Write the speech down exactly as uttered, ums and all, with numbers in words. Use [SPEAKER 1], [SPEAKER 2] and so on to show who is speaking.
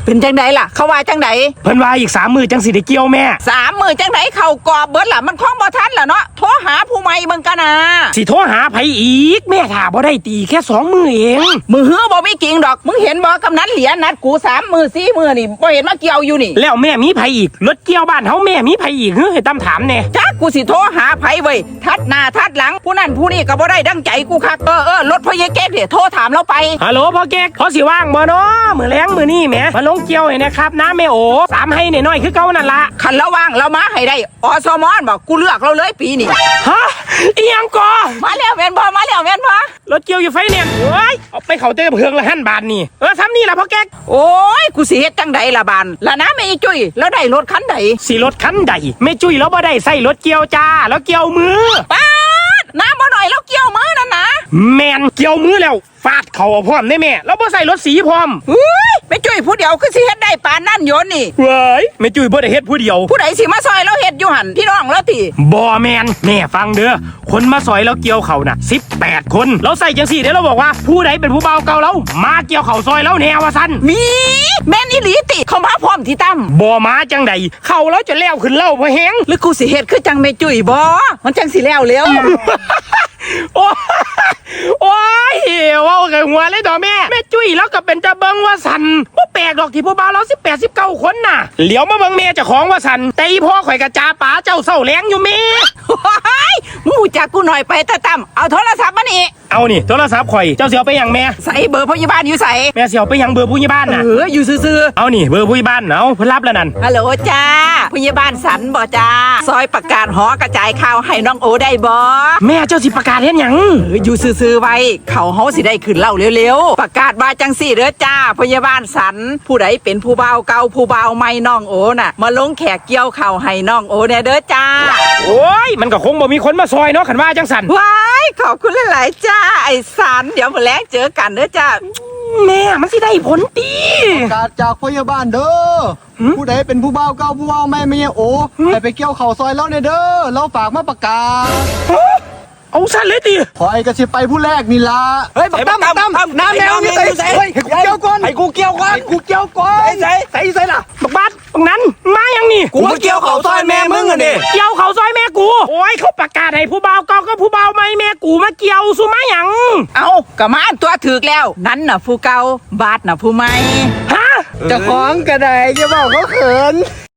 [SPEAKER 1] เป็นจังไดล่ะเขาว่าจังได
[SPEAKER 2] เพิ่นว่าอีกสามมือจังสิได้เกี่ยวแม่
[SPEAKER 1] สามมือจังไดเขากอบเบิดล่ะมันคล้องบ่ทันล่ะเนาะโทรหาผู้ใหม่มึงกันนะ
[SPEAKER 2] สิโทรหาไผอีกแม่ถ้าบ่ได้ตีแค่สองมือเอง
[SPEAKER 1] มือเหือบ่มีกิ่งดอกมึงเห็นบ่กำนันเหรียญนัดกูสามมือสี่มือนี่บ่เห็นมาเกี่ยวอยู่นี่
[SPEAKER 2] แล้วแม่มีไผอีกรถเกี่ยวบ้านเฮาแม่มีไผอีกเฮ้ยให้ตั้มถามแน่
[SPEAKER 1] จักกูสิโทรหาไผเว้ยทัดหน้าทัดหลังผู้นั้นผู้นี้ก็บ่ได้ดังใจกูคักเออเออรถพ่อเยเก๊กเดี๋ยวโทรถามเราไป
[SPEAKER 2] ฮัลโหลพ่อเก๊กพอสิว่างบ่เนาะมื้อแลงมื้อนี้แหมมาลงเกี่ยวให้นะครับน้าแม่โอสามให้น้อยๆคือเก่านั่นล่ะ
[SPEAKER 1] คันระว่างเรามาให้ได้อสมอนบอกกูเลือกเราเลยปีนี้
[SPEAKER 2] ฮะอีหยังก่อ
[SPEAKER 1] มาแล้วแม่นบ่มาแล้วแม่นบ่
[SPEAKER 2] รถเกี่ยวอยู่ไฟแนนซ์โอ้ยเอาไปเข้าเตะเพิงละหั่นบาทนี่เออซ้ำนี่ล่ะพ่อเก๊ก
[SPEAKER 1] โอ้ยกูสิเฮ็ดจังใดล่ะบานล่ะนะแม่จุ้ยแล้วได้รถคันใด
[SPEAKER 2] สิรถคันใดแม่จุ้ยแล้วบ่ได้ใส่รถเกี่ยวจ้าแล้วเกี่ยวมือ
[SPEAKER 1] ป๊าดน้ำบ่หน่อยแล้วเกี่ยวมือนั่นนะ
[SPEAKER 2] แม่นเกี่ยวมือแล้วฟาดเข่าพร้อมได้แม่แล้วบ่ใส่รถสีพร้อม
[SPEAKER 1] เฮ้ยแม่จุ้ยผู้เดียวคือสิเฮ็ดได้ปานนั่นโยนนี่
[SPEAKER 2] เว้ยแม่จุ้ยบ่ได้เฮ็ดผู้เดียว
[SPEAKER 1] ผู้ใดสิมาซอยเราเฮ็ดอยู่หั่นพี่น้องแล้วติ
[SPEAKER 2] บ่แม่นแม่ฟังเด้อคนมาซอยแล้วเกี่ยวเขาน่ะสิบแปดคนเราใส่จังซี่เด้อเราบอกว่าผู้ใดเป็นผู้เบาเก่าเรามาเกี่ยวเขาซอยแล้วแนวว่าซั่น
[SPEAKER 1] มีแม่นอีหลีติเข้ามาพร้อมที่ตั้ม
[SPEAKER 2] บ่มาจังใดเข้าแล้วจะแล้วขึ้นเล่าบ่แฮง
[SPEAKER 1] หรือกูสิเฮ็ดคือจังแม่จุ้ยบ่มันจังสิแล้วเร็ว
[SPEAKER 2] โอ้โอ้ยว่าไงหัวเลยดอแม่แม่จุ้ยแล้วก็เป็นตะเบิงว่าสันบ่แปลกดอกที่ผู้บ่าวเราสิบแปดสิบเก้าคนน่ะเหลียวมาเบิงแม่เจ้าของว่าสันแต่อีพ่อข่อยกระจาป๋าเจ้าเศร้าแรงอยู่แม่
[SPEAKER 1] มึงรู้จักกูหน่อยไปตะตั้มเอาโทรศัพท์มานี่
[SPEAKER 2] เอานี่โทรศัพท์ข่อยเจ้าเสียวไปยังแม่
[SPEAKER 1] ใส่เบอร์พยาบาลอยู่ใส่
[SPEAKER 2] แม่เสียวไปยังเบอร์ผู้ใหญ่บ้านน่ะ
[SPEAKER 1] เอออยู่ซื่อ
[SPEAKER 2] ๆเอานี่เบอร์ผู้ใหญ่บ้านเอาเพิ่นรับแล้วนั่น
[SPEAKER 1] ฮัลโหลจ้าพยาบาลสันบ่จ้าซอยประกาศหอกระจายข่าวให้น้องโอได้บ่
[SPEAKER 2] แม่เจ้าสิประกาศเฮ็ดหยัง
[SPEAKER 1] เอออยู่ซื่อๆไว้เขาเฮาสิได้ขึ้นเล่าเร็วๆประกาศว่าจังสี่เด้อจ้าพยาบาลสันผู้ใดเป็นผู้บ่าวเก่าผู้บ่าวใหม่น้องโอน่ะมาลงแขกเกี่ยวข่าวให้น้องโอแน่เด้อจ้า
[SPEAKER 2] โอ้ยมันก็คงบ่มีคนมาซอยเนาะคันว่าจังสั่น
[SPEAKER 1] ว้ายขอบคุณหลายๆจ้าไอ้สันเดี๋ยวมื้อแลงเจอกันเด้อจ้า
[SPEAKER 2] แม่มันสิได้ผลตี
[SPEAKER 3] ประกาศจากพยาบาลเด้อผู้ใดเป็นผู้บ่าวเก่าผู้บ่าวใหม่แม่โอให้ไปเกี่ยวเข่าซอยแล้วเนี่ยเด้อเราฝากมาประกาศ
[SPEAKER 2] เอาสั้นเลยตี
[SPEAKER 3] ขอไอ้กระชิบไปผู้แรกนี่ละ
[SPEAKER 1] เฮ้ยบักตั้มบักตั้ม
[SPEAKER 3] น้ำแมวนี่ใส่เฮ้ยให้กูเกี่ยวก่อน
[SPEAKER 1] ให้กูเกี่ยวก่อน
[SPEAKER 3] ให้กูเกี่ยวก่อน
[SPEAKER 1] ใส่ใส่ใส่ล่ะ
[SPEAKER 2] บักบัดบักนั้นมายังนี่
[SPEAKER 1] กูมาเกี่ยวเขาซอยแม่มึงอ่ะดิ
[SPEAKER 2] เกี่ยวเขาซอยแม่กูโอ้ยเขาประกาศให้ผู้บ่าวเก่าก็ผู้บ่าวใหม่แม่กูมาเกี่ยวสุมาหยัง
[SPEAKER 1] เอากะมาตัวถือแล้วนั้นน่ะผู้เก่าบาดน่ะผู้ใหม่
[SPEAKER 2] ฮะ
[SPEAKER 3] จะคล้องกระไดจะบอกเขาเขิน